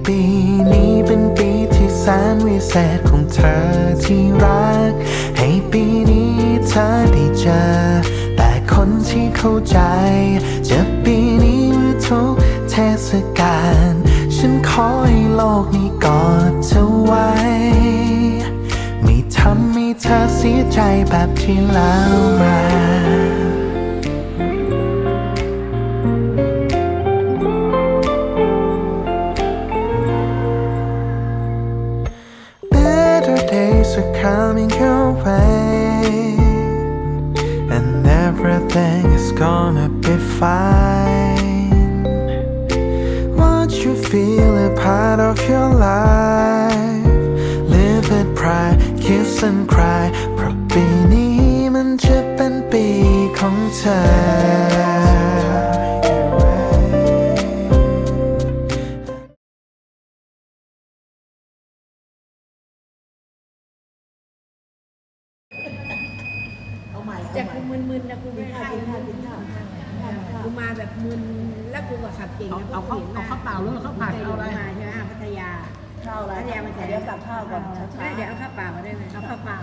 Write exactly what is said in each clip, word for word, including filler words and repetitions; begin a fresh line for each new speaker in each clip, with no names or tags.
ปีนี้เป็นปีที่แสนวิเศษของเธอที่รักให้ปีนี้เธอได้เจอแต่คนที่เข้าใจจะปีนี้หรือทุกเทศกาลฉันขอให้โลกนี้กอดเธอไว้ไม่ทำให้เธอเสียใจแบบที่แล้วมาDays are coming your way and everything is gonna be fine. Once you feel a part of your life, live it pride, kiss and cry เพราะปีนี้มันจะเป็นปีของเธอ
จากกูมึนๆนะกูไม่ได้กูมาแบบมึนแล้วกูก็ขับเก่งนะ
เอาข้าวเอาข้าวเปล่าหรือข้าวผัดเอาอะไร
มาใช่ไหมพัทยา
ข้าวอะไร
พัทยามาแต่
เดี๋ยวสั่งข้าวก่อนช้าๆ
เดี๋ยวเอาข้าวเปล่ามาได้ไหมเอาข้าวเปล่าก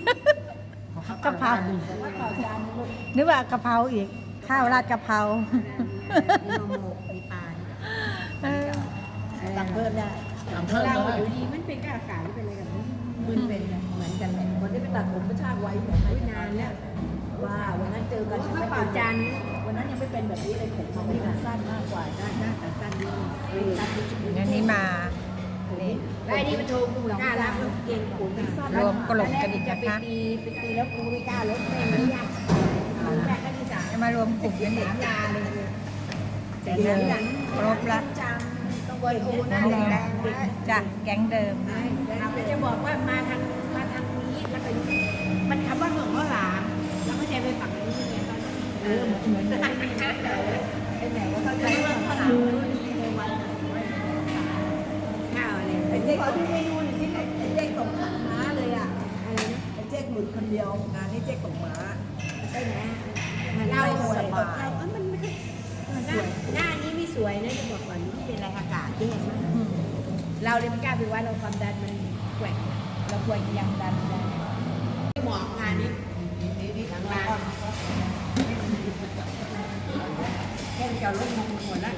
ะเพรานึกว่ากะเพราอีกข้าวราดกะเพรา
มีโมโมมีปลา
สั่งเพิ่มได้
สั่งเพิ่ม
เรา
เลย
อยู่ดีมันเป็นกาขาหรือเป็นอะไรกันมึนเป็นเหมือนกันเลย
วันนี้ไปตัดผมกระชากไว้แบบ
ไม่นานแล้ว
ว่าวันนั้นเจอกัน
ข้าวเปล่าจาน
วันนั้นยังไม่เป็นแบบนี้เลยผมมันไม่ได้สั้นมากกว่า
ได้ได้แต่สั้นดีสั้นดี
เดี๋ยวนี้มานี่
ได้นี่มันโทรกูไม่กล้ารับมันเก่งกูไม่สั้น
รวมกลุ่มกันอีก
จะ
นะ
ไป
คะ
ตีไปตีแล้วกูไม่กล้าลดแม่มันยากแม่ก็ที่สาม
จะมารวมกลุ่มกันอีก
ยาเลย
แต่เดิมครบละ
ต้องบริโภคนะแรงแรง
จากแก๊งเดิม
เราจะบอกว่ามาทางมาทางนี้แล้วก็มันคำว่าเหมืองว่าหลามแล้วก็จะไปฝั่งนี้ไงตอนนั้นเออเหมือนกันเป็นไหนก็เข้าใจว่าข้าวหลามข้าวอะไร
ไอ้เจ๊ขอที่เมนูหนึ่งที่ไอ้เจ๊ส่งขันม้าเลยอ่ะ
อะไรนะ
ไอ้เจ๊หลุดคนเดียวงานนี้เจ๊ส่งม้า
ได้ไหมเราสบายเราเออมันไม่ค่อยหน้านี้ไม่สวยนะจะบอกก่อนนี่เป็นอะไรอากาศที่เห็นไหมเราเลยไม่กล้าไปว่าเราความดันมันแกว่งเราควรยังดันได้หมอกงานนี้หลังร้านแค่จะลดมงหมดแล้ว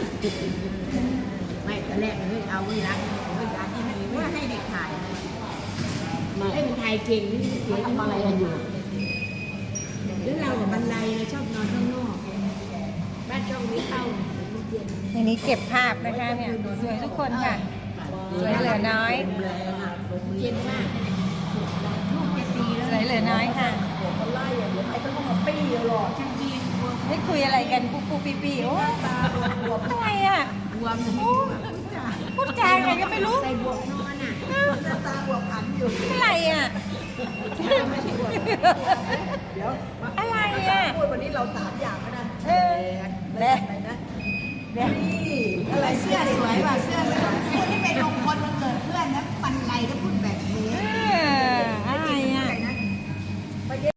ไม่ตอนแรกเลยเอาไว้ร้านไว้ร้านที่ไม่ว่าให้เด็กถ่ายให้มันถ่ายเก่งนี่เสียทำอะไรกันอยู่หรือเราบันไดเราชอบนอนข้างนอกบ้านช่องนี้เข้าเย็น
ในนี้เก็บภาพนะคะเนี่ยสวยทุกคนค่ะสวยเหลือน้อย
เย็นมากลูกจะตี
ส
แล้ว
วยเหลือน้อยค่ะ
เขาไล่อย่างเดี๋ยวไอ้ก็ต้องมาปี้หรอก
ช่างเย็นบวม
ไม่คุยอะไรกันปุ๊บปุ๊บปีปีโอ้
ตาบวม
อะไรอ่ะ
บวมเลย
พูดจาอะไรก็ไม่รู้
ใส่บวกนอนอ่ะ
ตาบวมขันอยู่
อะไรอ่ะ
เดี๋ยว
อะไรอ่ะ
พูดวันนี้เราสามอย่างก็ได้
เออและ
อะไรนะ